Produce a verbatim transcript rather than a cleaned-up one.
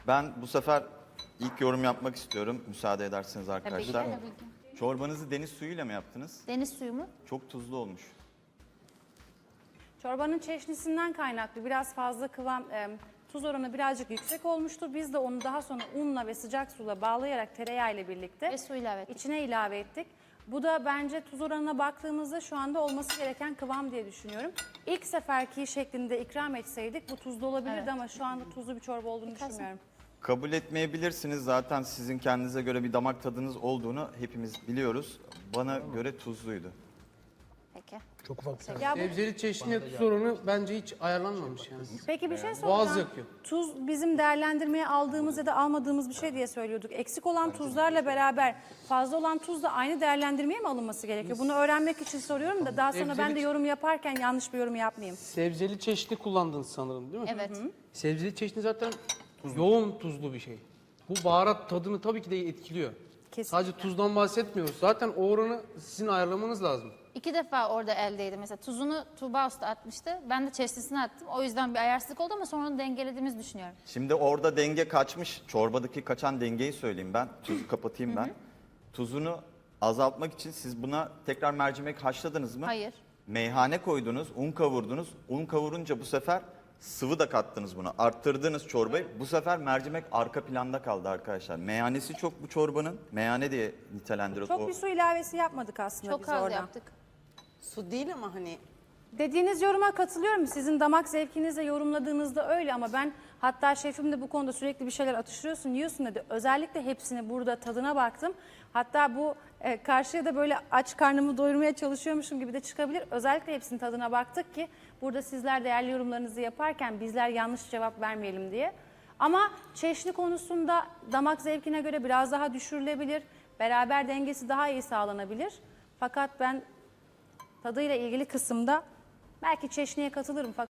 Ben bu sefer ilk yorum yapmak istiyorum. Müsaade ederseniz arkadaşlar. Tabii ki, tabii ki. Çorbanızı deniz suyuyla mı yaptınız? Deniz suyu mu? Çok tuzlu olmuş. Çorbanın çeşnisinden kaynaklı biraz fazla kıvam, e, tuz oranı birazcık yüksek olmuştur. Biz de onu daha sonra unla ve sıcak suyla bağlayarak tereyağı ile birlikte Ve su ilave ettik. içine ilave ettik. Bu da bence tuz oranına baktığımızda şu anda olması gereken kıvam diye düşünüyorum. İlk seferki şeklinde ikram etseydik bu tuzlu olabilirdi Evet. ama şu anda tuzlu bir çorba olduğunu düşünmüyorum. Kabul etmeyebilirsiniz. Zaten sizin kendinize göre bir damak tadınız olduğunu hepimiz biliyoruz. Bana göre tuzluydu. Peki. Çok ufak bir tane. Ya bu- Sebzeli çeşniye tuz oranı bence hiç ayarlanmamış yani. Peki bir şey Boğaz soracağım. yakıyor. Tuz bizim değerlendirmeye aldığımız ya da almadığımız bir şey diye söylüyorduk. Eksik olan tuzlarla beraber fazla olan tuz da aynı değerlendirmeye mi alınması gerekiyor? Bunu öğrenmek için soruyorum da daha sonra ben de Sebzeli- yorum yaparken yanlış bir yorum yapmayayım. Sebzeli çeşni kullandınız sanırım değil mi? Evet. Sebzeli çeşni zaten yoğun tuzlu bir şey. Bu baharat tadını tabii ki de etkiliyor. Kesinlikle. Sadece tuzdan bahsetmiyoruz. Zaten o oranı sizin ayarlamanız lazım. İki defa orada eldeydi. Mesela tuzunu Tuğba Usta atmıştı. Ben de çeşnisini attım. O yüzden bir ayarsızlık oldu ama sonra onu dengelediğimizi düşünüyorum. Şimdi orada denge kaçmış. Çorbadaki kaçan dengeyi söyleyeyim ben. Tuzu kapatayım ben. Tuzunu azaltmak için siz buna tekrar mercimek haşladınız mı? Hayır. Meyhane koydunuz, un kavurdunuz. Un kavurunca bu sefer sıvı da kattınız buna. Arttırdınız çorbayı. Bu sefer mercimek arka planda kaldı arkadaşlar. Meyhanesi çok bu çorbanın. Meyhane diye nitelendiriyoruz. Çok O- bir su ilavesi yapmadık aslında Çok biz az orada. yaptık. Su değil ama hani Dediğiniz yoruma katılıyorum. Sizin damak zevkinizle yorumladığınızda öyle ama ben hatta şefim de bu konuda sürekli bir şeyler atıştırıyorsun, yiyorsun dedi. Özellikle hepsini burada tadına baktım. Hatta bu e, karşıya da böyle aç karnımı doyurmaya çalışıyormuşum gibi de çıkabilir. Özellikle hepsinin tadına baktık ki burada sizler değerli yorumlarınızı yaparken bizler yanlış cevap vermeyelim diye. Ama çeşni konusunda damak zevkine göre biraz daha düşürülebilir. Beraber dengesi daha iyi sağlanabilir. Fakat ben tadıyla ilgili kısımda belki çeşniye katılırım. Fakat